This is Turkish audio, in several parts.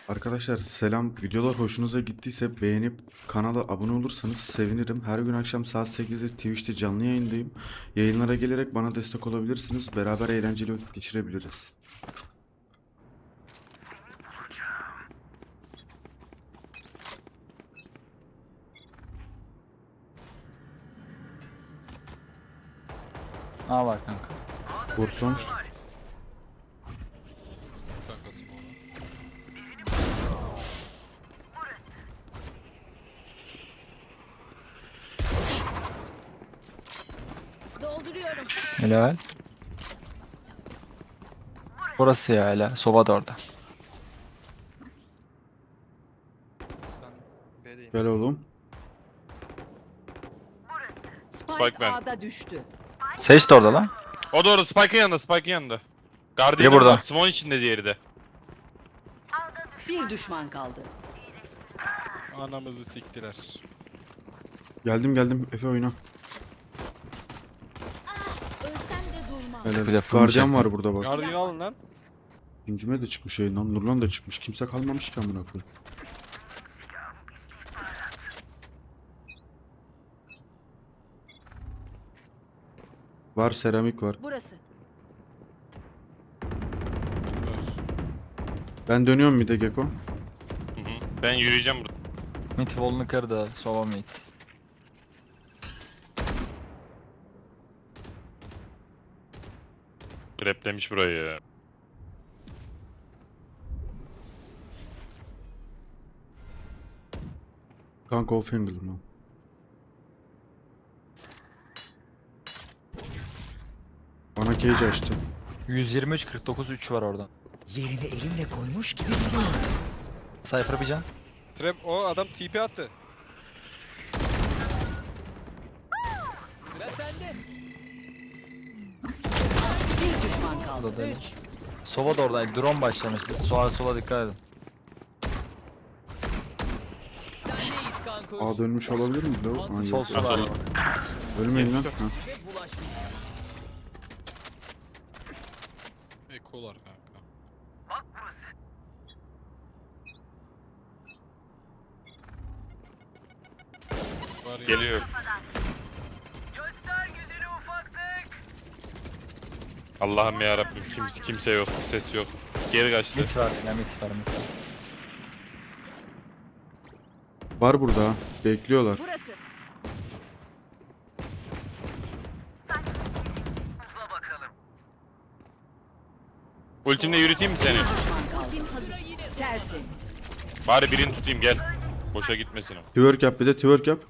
Arkadaşlar selam. Videolar hoşunuza gittiyse beğenip kanala abone olursanız sevinirim. Her gün akşam saat 8'de Twitch'te canlı yayındayım. Yayınlara gelerek bana destek olabilirsiniz. Beraber eğlenceli vakit geçirebiliriz. A var kanka. Borçlanmış. Kankası mı onu? Dolduruyorum. Helal. Burası ya hala. Soba da orada. Ben B'deyim. Gel oğlum. Spike ben. A'da düştü. Sage de orada lan. O doğru, Spike'ın yanında, Spike'ın yanında. Biri Guardian burada. var, Smoke içinde diğeri de. Bir düşman kaldı. Anamızı siktiler. Geldim Efe oyna. Ölsem de durmam. Helal. Bir de full Guardian çektim. var burada bak. Guardian alın lan. Güncüme de çıkmış yayından. Nurlan da çıkmış. Kimse kalmamış ki amına koyayım. Var, seramik var. Burası. Mid var. Ben dönüyorum bir de Geko. Hı hı. Ben yürüyeceğim burada. Mid wall'unu kırdı. Soba mid. Replemiş burayı ya. Kanka off angle mı? Bana cage açtı. 123 49 3 var orada. Yerini elimle koymuş gibi biliyorum. Cypher bir can. Trap o adam TP attı. Bir düşman kaldı. O da deli. 3. Soba da orada. Drone başlamıştı. Sola dikkat edin. Aa, dönmüş olabilir mi? Aa, Sol yok. sol abi. Ölmeyin lan. Ha. Ekolar kanka. Var ya. Geliyor. Allah'ım ya Rabbim, kimse yok, ses yok. Geri kaçtı. Mid var yine mid var mid. Var burada ha. Bekliyorlar. Burası. Ultimle yürüteyim mi seni? Düşman kaldı. Tertemiz. Bari birini tutayım, gel. Boşa gitmesin o. Twerk yap, bir de twerk yap.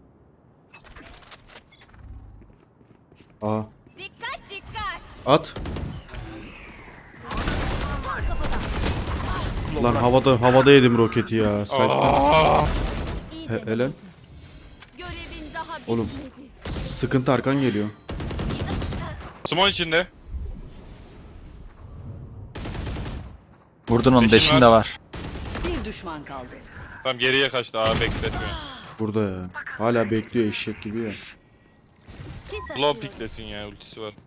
Aa. Dikkat dikkat. At. Lan havada yedim roketi ya. İyi Helal. Görevin daha bitmedi. Oğlum. Sıkıntı, arkan geliyor. Smoke içinde. Vurdun onu Beşin deşin var. de var. Bir düşman kaldı. Tamam, geriye kaçtı, bekletmiyor. Burada ya. Hala bekliyor eşek gibi ya. Sis Blow piklesin ya, ultisi var.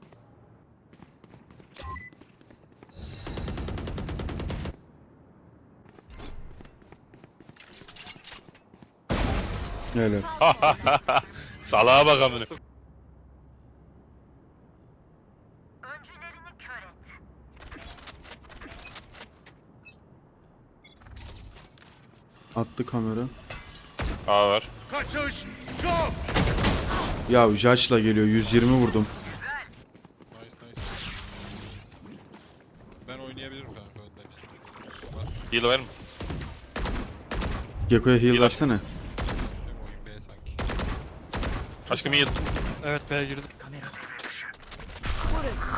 Helal. Salağa bak amına. Attı kamera. A var. Ya Judge'la geliyor. 120 vurdum. Nice nice. Ben oynayabilirim kanka önden işte. Var. Heal var mı? Gekko'ya heal Heal versene. Üstüne oyun B sanki. Aşkım heal. Evet B girdim. Burası.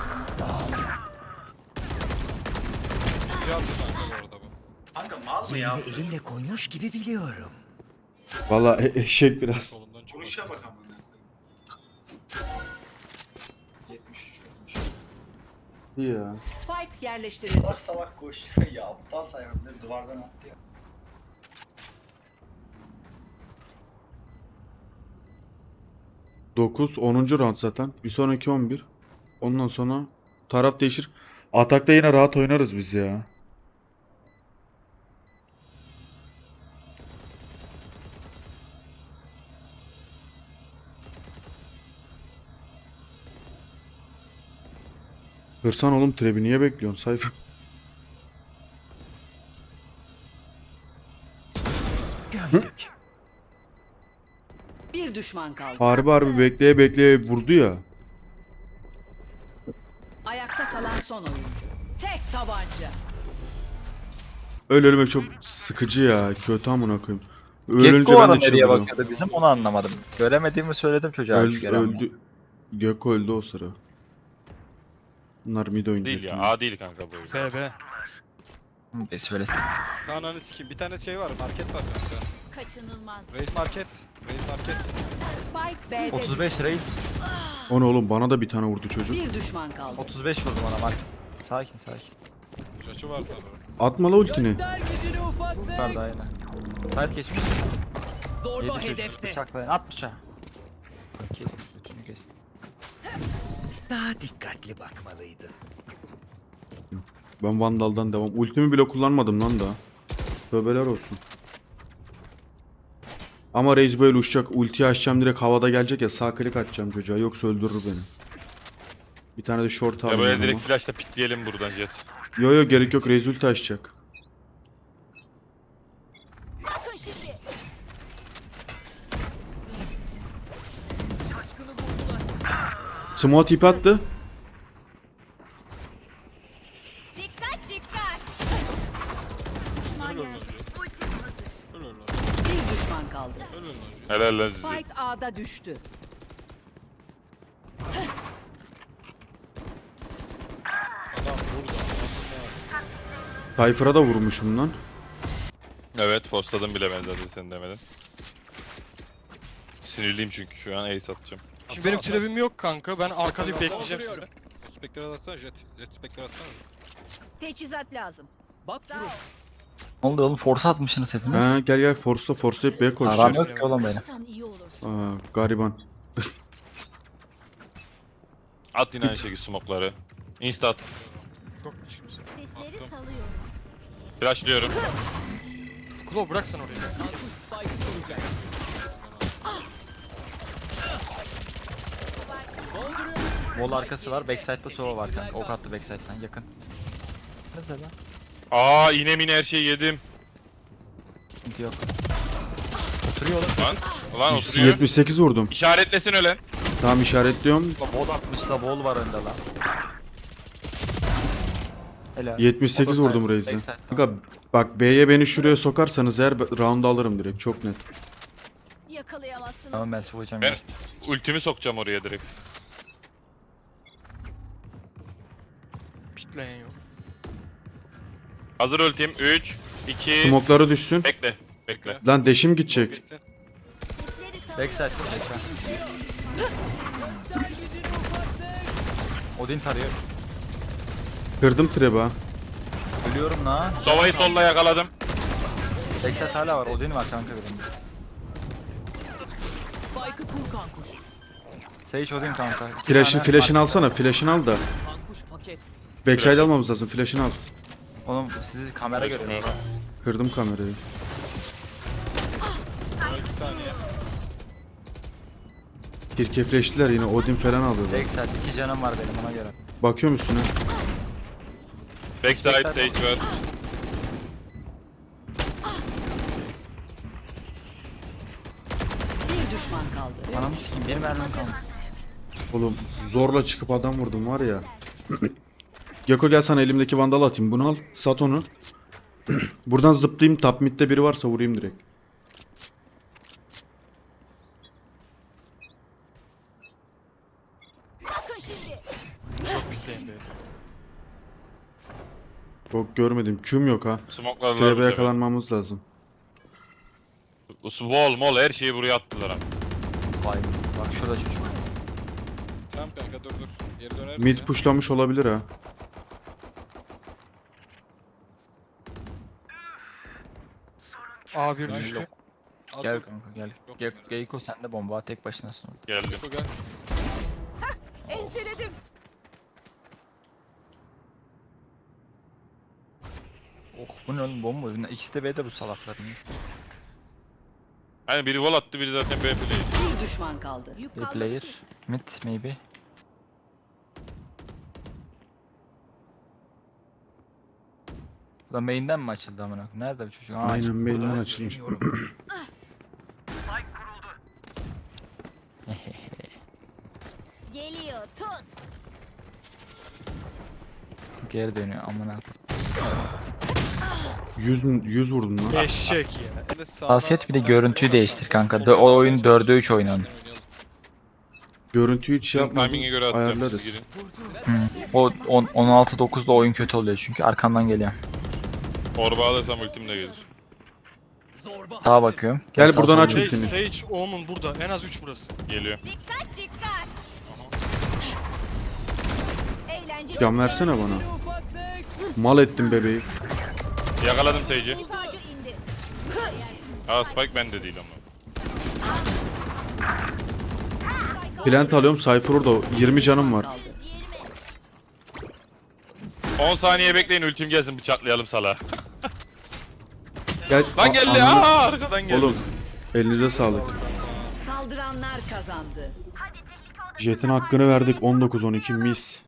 Bir attı kanka bu arada bu. Kanka mal mı ya? Yerini elimle koymuş gibi biliyorum. Valla eşek biraz. Solundan çıktı. Konuşa bak amına koyayım. 73 olmuş. İyi ya. Spike yerleştirildi. Salak salak koşuyor ya. Aptal sayarım ne duvardan attı ya. Dokuz 10. round zaten. Bir sonraki 11. Ondan sonra taraf değişir. Atakta yine rahat oynarız biz ya. Kırsan oğlum trebi niye bekliyorsun sayfa? Bir düşman kaldı. Harbi bekleye bekleye vurdu ya. Ayakta kalan son oyuncu. Tek tabanca. Öyle ölmek çok sıkıcı ya. Kötü amına koyayım. Ölünce Gekko ben ara de nereye çıldırıyorum. bakıyordu bizim onu anlamadım. Göremediğimi söyledim çocuğa üç kere ama. Öldü. Gekko öldü o sıra. Bunlar mid oynayacak. Değil ya. şimdi. A değil kanka bu. B B. Söylesin. Ananı sikeyim. Bir tane şey var. Market var kanka. Kaçınılmaz. Raid market. Raid market. Spike B'de 35 reis. O ne oğlum bana da bir tane vurdu çocuk. bir düşman kaldı. 35 vurdum ona Mark. Sakin sakin. Çaçı var sanırım. Atma la ultini. Yukarıda aynen. Side geçmiş. Zorba Yedi çocuk. hedefte. Bıçaklayın. At bıçağı. Kesin. Bütünü kesin. Daha dikkatli bakmalıydı. Ben Vandal'dan devam. Ultimi bile kullanmadım lan daha. Tövbeler olsun. Ama Reis böyle uçacak. Ultiyi açacağım direkt havada gelecek ya. Sağ klik atacağım çocuğa. Yoksa öldürür beni. Bir tane de short Ya alayım böyle yanıma. direkt flashla pikleyelim buradan jet. Yo gerek yok. Reis ulti açacak. Bakın şimdi. Smoke tip attı. Dikkat dikkat. Düşman Öl yer. önce. Öl önce. Bir düşman kaldı. Öl önce. Helal lan sizi. Spike A'da düştü. Adam burada. Cypher'a da vurmuşum lan. Evet forsladım bile ben zaten sen demedin. Sinirliyim çünkü şu an ace atacağım. Şimdi benim trebim yok kanka. Ben arkada bir bekleyeceğim sizi. Spekler atsana jet. Jet spekler atsana. Teçhizat lazım. Bak Sağ ol. Ne oldu oğlum? Force atmışsınız hepiniz. Ha, gel force'layıp B'ye Aram koşacağız. yok ki oğlum benim. Sen iyi olursun. Gariban. At yine aynı şekilde smoke'ları. Insta at. Çok kimse. Sesleri Attım. salıyorum. Flashlıyorum. Klo bıraksan orayı. Kankuş Spike'ı kuracak. Wall arkası var. Backside'da sova var kanka. Ok attı backside'dan yakın. Mesela. Aa iğne mine her şeyi yedim. Sıkıntı yok. Oturuyor oğlum. Lan oturuyor. 78 vurdum. İşaretlesin öyle. Tamam işaretliyorum. La wall atmış la wall var önde la. Helal. 78 O da vurdum side, Reis'e. backside. Kanka bak B'ye beni şuraya sokarsanız eğer round alırım direkt çok net. Yakalayamazsınız. Tamam ben sıvayacağım. Ben ultimi sokacağım oraya direkt. Pikleyen yok. Hazır ultim. 3, 2, Smoke'ları düşsün. bekle. Bekle. Lan deşim gidecek. Geçsin. Sesleri salıyorum. Backside. Odin tarıyor. Kırdım treba. Ölüyorum la. Sova'yı solla yakaladım. Backside hala var. Odin var kanka benim. Spike'ı kur kankuş. Sage Odin kanka. İki Flash'ını tane alsana. Flash'ını al da. Kankuş paket. Backside almamız lazım. Flash'ını al. Oğlum sizi kamera görüyor. Kırdım kamerayı. Son 2 saniye. Kirke flash'tiler yine. Odin falan alıyorlar. Backside 2 canım var benim ona göre. Bakıyorum üstüne. Backside Sage var. Bir düşman kaldı. Ananı sikeyim benim mermim kaldı. Oğlum zorla çıkıp adam vurdum var ya. Geko gel sana elimdeki vandalı atayım. Bunu al. Sat onu. Buradan zıplayayım. Top mid'de biri varsa vurayım direkt. Bakın şimdi. Çok pikleyin be. Yok görmedim. Q'm yok ha. Smoke'larlar bu Trebe sefer. yakalanmamız lazım. Wall mol her şeyi buraya attılar abi. Vay bak şurada çocuk. Tamam kanka dur. Geri döner Mid misin? pushlamış olabilir ha. A1 düştü. Yok. Al Gel bak. kanka gel. Yok Gel kamera. Geyko sen de bomba tek başınasın orada. Geldim. Geko gel. Enseledim. Oh bu ne oğlum bomba oyunu. İkisi de B'de bu salakların. Hani biri wall attı biri zaten böyle play. Bir düşman kaldı. Yük Bir kalmadı player. ki. Mid maybe. Bu da main'den mi açıldı amına koyayım? Nerede bu çocuk? Aa, Aynen mailden açılmış. Geliyor tut. geri dönüyor amına koyayım. 100 vurdun lan. Eşek ya. Hassasiyet bir de görüntüyü değiştir kanka. O oyun 4'e 3 oynanıyor. Görüntüyü hiç şey yapmadım. Timing'e göre atacağım siz Ayarlarız. girin. O 16-9'da oyun kötü oluyor çünkü arkandan geliyor. Orba alırsam ultim de gelir. Sağa bakıyorum. Gel sağ buradan sola aç gidiyorum. Sage, ultini. Sage, Omen burada. En az 3 burası. Geliyor. Dikkat dikkat. Eğlenceli. Can versene bana. Mal ettin bebeği. Yakaladım Sage'i. Şifacı indi. Aa Spike bende değil ama. Plant alıyorum. Cypher orada. 20 canım var. 10 saniye bekleyin ultim gelsin bıçaklayalım sala. Gel. Lan geldi Ananı- aa arkadan geldi. Oğlum. Elinize sağlık. Saldıranlar kazandı. Jet'in hakkını verdik. 19-12 mis.